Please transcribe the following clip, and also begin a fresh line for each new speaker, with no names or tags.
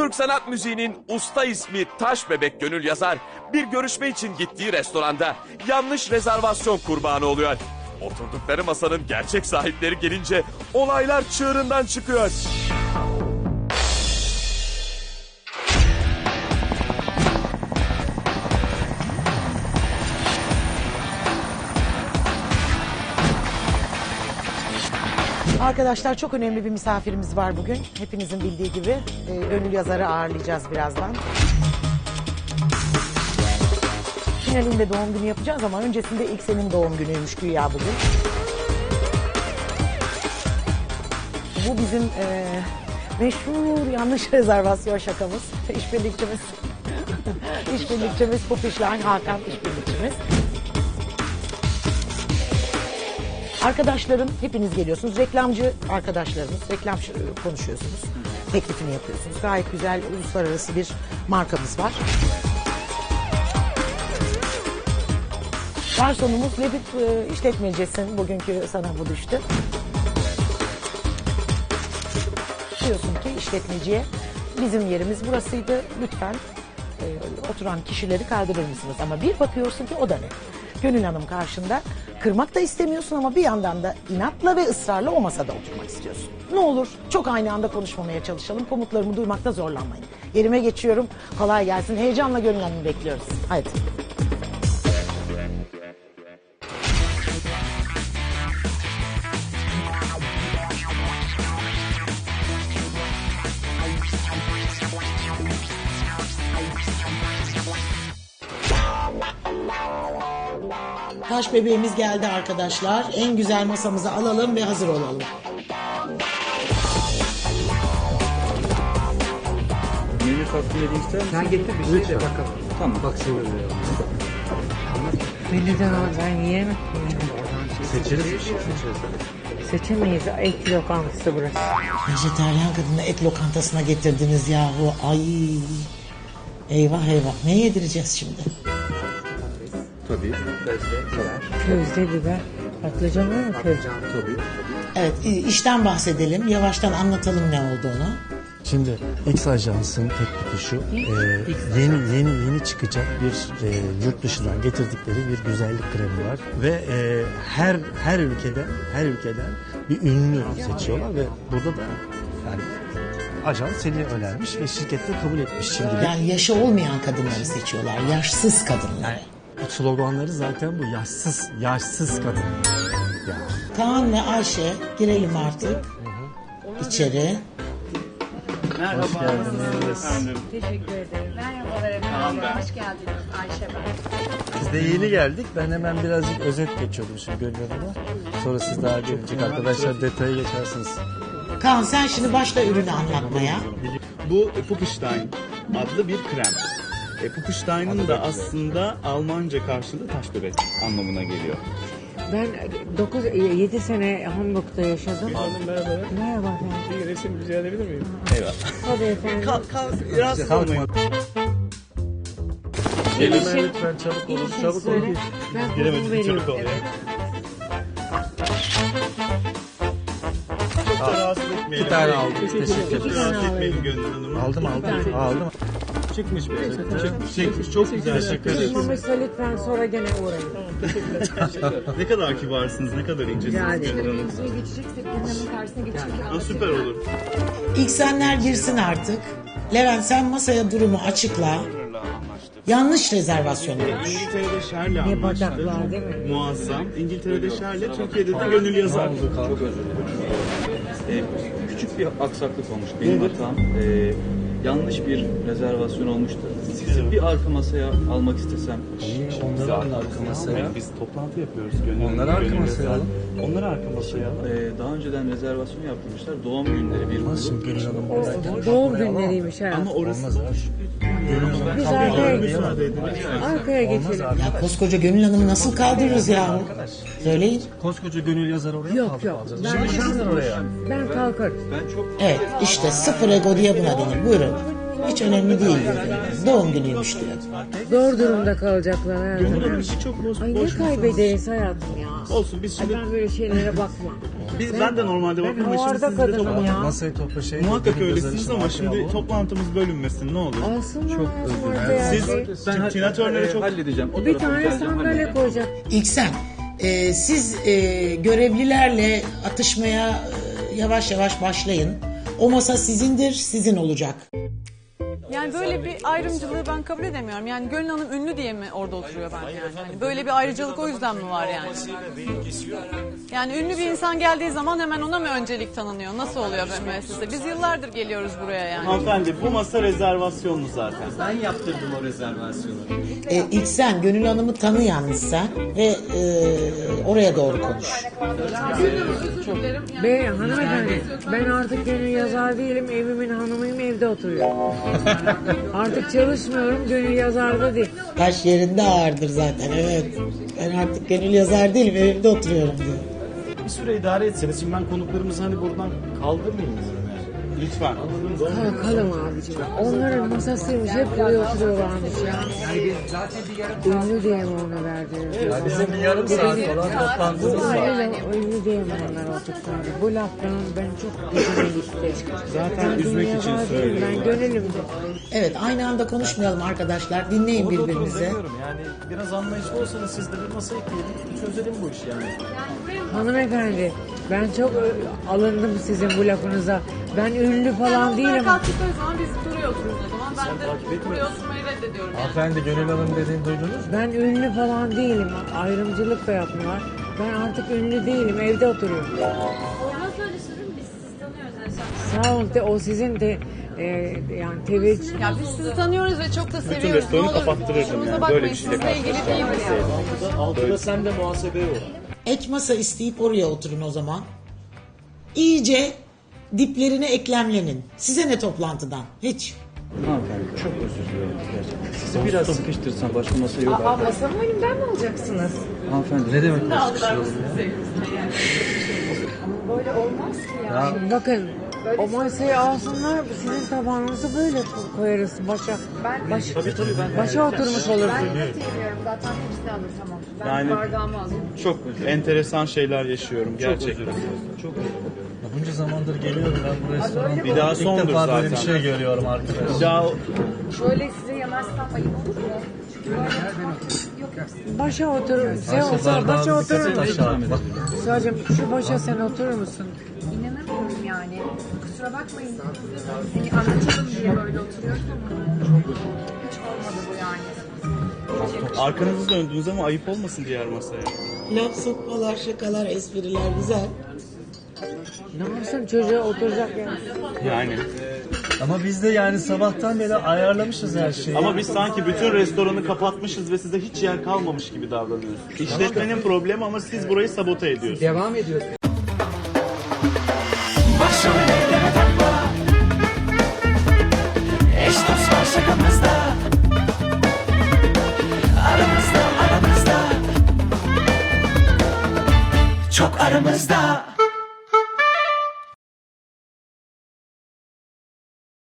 Türk sanat müziğinin usta ismi Taş Bebek Gönül Yazar bir görüşme için gittiği restoranda yanlış rezervasyon kurbanı oluyor. Oturdukları masanın gerçek sahipleri gelince olaylar çığırından çıkıyor.
Arkadaşlar çok önemli bir misafirimiz var bugün. Hepinizin bildiği gibi Gönül Yazar'ı ağırlayacağız birazdan. Finalinde doğum günü yapacağız ama öncesinde ilk senin doğum günüymüş güya bugün. Bu bizim meşhur yanlış rezervasyon şakamız. İşbirlikçimiz. İşbirlikçimiz Pupişline Hakan işbirlikçimiz. Arkadaşlarım hepiniz geliyorsunuz. Reklamcı arkadaşlarımız. Reklam konuşuyorsunuz. Teklifini yapıyorsunuz. Gayet güzel uluslararası bir markamız var. Garsonumuz Lebip işletmecisin. Bugünkü sana bu düştü. Diyorsun ki işletmeciye bizim yerimiz burasıydı. Lütfen oturan kişileri kaldırır mısınız? Ama bir bakıyorsun ki o da ne? Gönül Hanım karşında. Kırmak da istemiyorsun ama bir yandan da inatla ve ısrarla o masada oturmak istiyorsun. Ne olur çok aynı anda konuşmamaya çalışalım. Komutlarımı duymakta zorlanmayın. Yerime geçiyorum. Kolay gelsin. Heyecanla Gönül Hanım'ı bekliyoruz. Haydi. Taş bebeğimiz geldi arkadaşlar. En güzel masamızı alalım ve hazır olalım.
Menü takdim edeyim ister misin?
Sen getir bir şey de bakalım.
Tamam.
Bak seviyorum.
Menüden al, ben yiyemem.
Seçeriz bir şey.
Seçemeyiz. Et lokantası burası.
Vejeteryan kadını et lokantasına getirdiniz yahu. Ay. Eyvah eyvah. Ne yedireceğiz şimdi?
Tabii. Közde,
Közde biber. Patlıcan var mı közde?
tabii.
Evet işten bahsedelim. Yavaştan anlatalım ne olduğunu.
Şimdi X Ajans'ın teklifi şu, yeni çıkacak bir yurt dışından getirdikleri bir güzellik kremi var ve her ülkeden bir ünlü seçiyorlar ve burada da yani ajans seni önermiş ve şirkette kabul etmiş şimdi.
Yani yaşı olmayan kadınları seçiyorlar. Yaşsız kadınları.
Sloganları zaten bu yaşsız kadın. Ya.
Kaan ve Ayşe girelim artık içeri.
Merhaba. Hoş geldiniz.
Teşekkür ederim. Merhabalar efendim. Hoş geldiniz Ayşe ben.
Biz de yeni geldik. Ben hemen birazcık özet geçiyordum şimdi Gönül Hanım'a. Sonra siz daha gelecek arkadaşlar detaya geçersiniz.
Kaan sen şimdi başla ürünü anlatmaya.
Bu Pupişline adlı bir krem. Pupişline'ın da aslında Almanca karşılığı taş bebek anlamına geliyor.
Ben 7 sene Hamburg'da yaşadım.
Hanım merhaba.
Merhaba efendim.
Bir resim rica edebilir miyim? Eyvallah.
Tabii efendim.
Rahatsız olmayın.
Gelin
İşin-
lütfen çabuk olun.
İşin
Çabuk
söyle.
olun.
Ben bunu
Giremedim,
veriyorum.
çabuk ol ya.
Evet.
Çok da rahatsız etmeyelim.
Bir tane aldım. Teşekkür ederim.
Rahatsız etmeyelim Gönül Hanım'ı.
Aldım.
Çıkmış be. Çıkmış. Çok güzel. Teşekkür ederim.
Çıkmamışsa lütfen sonra gene uğrayın.
Ne kadar kibarsınız, ne kadar incesiniz
Yani.
Gönül Hanım.
Geçeceksek Gönül'ün karşısına geçmek
Ha, süper olur.
İlk senler girsin artık. Levent sen masaya durumu açıkla. Yanlış rezervasyon olmuş.
İngiltere'de Şer'le
Ne
anlaştı.
bacaklar değil mi?
Muazzam. İngiltere'de Şer'le, Türkiye'de de Gönül Yazar.
Çok özür dilerim. Küçük bir aksaklık olmuş benim hatam. Yanlış bir rezervasyon olmuştu. Sizi bir arka masaya almak istesem.
Onları arka masaya.
Biz toplantı yapıyoruz Gönül.
Onları arka masaya alın.
Onları arka masaya alın.
Daha önceden rezervasyon yaptırmışlar. Doğum günleri bir
Nasıl
grup.
Gönül Hanım?
O doğum günleriymiş ha.
Ama orası boş.
Biz arkaya
Müsaade edin.
Arkaya geçelim.
Ya koskoca Gönül Hanım'ı nasıl kaldırırız yahu? Söyleyin.
Koskoca Gönül Yazar oraya
Yok,
kaldı
yok.
alacağız.
Ben-
Şimdi oraya.
Ben kalkarım.
Evet işte sıfır ego diye buna denir. Buyurun. Hiç önemli değil diyor. Doğum günüymüş diyor.
Zor durumda kalacaklar
Gönül
herhalde.
Hanım işi çok boş.
Ay
boş
ne
insan.
kaybederiz hayatım ya.
Olsun biz
Ay
şimdi
ben böyle şeylere bakmam.
ben de normalde
Ben
bakmam ama şimdi
havarda
siz de
kadınım ya.
Masayı topla şey.
Muhakkak
benim
öylesiniz
gözlerim
ama
arkaya
şimdi
alalım.
toplantımız bölünmesin ne olur.
Alsınlar hayatım
Siz
ortaya.
Tina Turner'e çok
halledeceğim. O
Bir
tarafı
tane
halledeceğim.
sandalye koyacak.
İlksen, siz görevlilerle atışmaya yavaş yavaş başlayın. O masa sizindir, sizin olacak.
Yani böyle bir ayrımcılığı ben kabul edemiyorum. Yani Gönül Hanım ünlü diye mi orada oturuyor ben yani? Hani böyle bir ayrıcalık o yüzden mi var yani? Yani ünlü bir insan geldiği zaman hemen ona mı öncelik tanınıyor? Nasıl oluyor böyle müessese? Biz yıllardır geliyoruz buraya yani.
Hanımefendi bu masa rezervasyonlu zaten.
Ben yaptırdım o rezervasyonu.
İlksen, Gönül Hanım'ı tanı yalnız sen ve oraya doğru konuş.
Bey hanımefendi ben artık gönül yazar değilim, evimin hanımıyım, evde oturuyorum. Artık çalışmıyorum, gönül yazarda değil.
Taş yerinde ağırdır zaten, evet. Ben artık Gönül yazar değilim, evimde oturuyorum diyor.
Bir süre idare etseniz. Şimdi ben konuklarımızı hani buradan kaldırmayayım diyorum yani.
Lütfen.
Kalkalım abicim. Onların masasıymış, hep buraya oturuyorlarmış ya. Ünlü diye mi onu verdiler?
Bizim bir yarım saat falan toplantımız var.
Aynen ünlü diye mi onlar oldukları? Bu laftan ben çok gücüme gitti.
Zaten
Ben
üzmek
dünya
için
var değilim,
söylüyorum.
ben gönülümdü.
Evet, aynı anda konuşmayalım arkadaşlar. Dinleyin
Orada
birbirinize.
demiyorum yani. Biraz anlayışlı olsanız siz de bir masa ekleyelim. Çözelim bu işi yani.
Hanımefendi ben çok alındım sizin bu lafınıza. Ben ünlü falan değilim.
Kalktıkları zaman biz buraya oturuyoruz o zaman. Ben de buraya oturmayı reddediyorum yani.
Hanımefendi Gönül Hanım dediğini duydunuz mu?
Ben ünlü falan değilim. Ayrımcılık da yapmıyorlar. Ben artık ünlü değilim. Evde oturuyorum.
Olmaz öyle sorun biz sizi tanıyoruz Ayşe.
Sağ olun. O sizin de yani teveccüh.
Ya biz sizi tanıyoruz ve çok da seviyoruz.
restoranı
Ne olur
kapattırırdım
kusurumuza
yani.
bakmayın,
Böyle bir şeyle
sizle ilgili değil bu yani.
Altıda sen de muhasebeye ol.
Ek masa isteyip oraya oturun o zaman. İyice diplerine eklemlenin. Size ne toplantıdan? Hiç.
Hanımefendi çok özür diliyorum gerçekten. Sizi biraz sıkıştırsam başka masa yok.
Masamı elimden mi alacaksınız?
Hanımefendi
Ne demek bu sıkıştıralım ya?
Böyle olmaz ki ya. Bakın o masayı alsınlar sizin tabağınızı böyle koyarız başa. Başa oturmuş olursun.
Seviyorum zaten hepsi de alır tamam. Ben
Yani-
bardağımı alayım.
Çok enteresan şeyler yaşıyorum gerçekten.
çok
Bunca zamandır geliyorum ben bu restorana.
Bir daha
İlk
sondur
defa böyle bir
zaten.
şey görüyorum arkadaşlar.
Ya
Şöyle size yemezsem ayıp olur mu? Çünkü böyle
Başa otur. Sen olsa başa
Bardağın
oturur
dikkati
musun?
taşar. Bak,
Sadece şu başa sen oturur musun?
inanamıyorum yani. Kusura bakmayın. Hani anlatalım diye böyle oturuyoruz ama hiç olmadı bu yani.
arkanızı döndünüz ama ayıp olmasın diğer masaya.
Laf sokmalar, şakalar, espriler güzel.
Ne yapsın çocuğa oturacak yani.
Yani.
ama biz de yani sabahtan beri ayarlamışız her şeyi.
Ama biz sanki bütün restoranı kapatmışız ve size hiç yer kalmamış gibi davranıyoruz. İşletmenin problemi ama siz burayı sabote ediyorsunuz.
Devam ediyor.
Başrollere takma. Eş dost var şakamızda. Aramızda. Çok aramızda.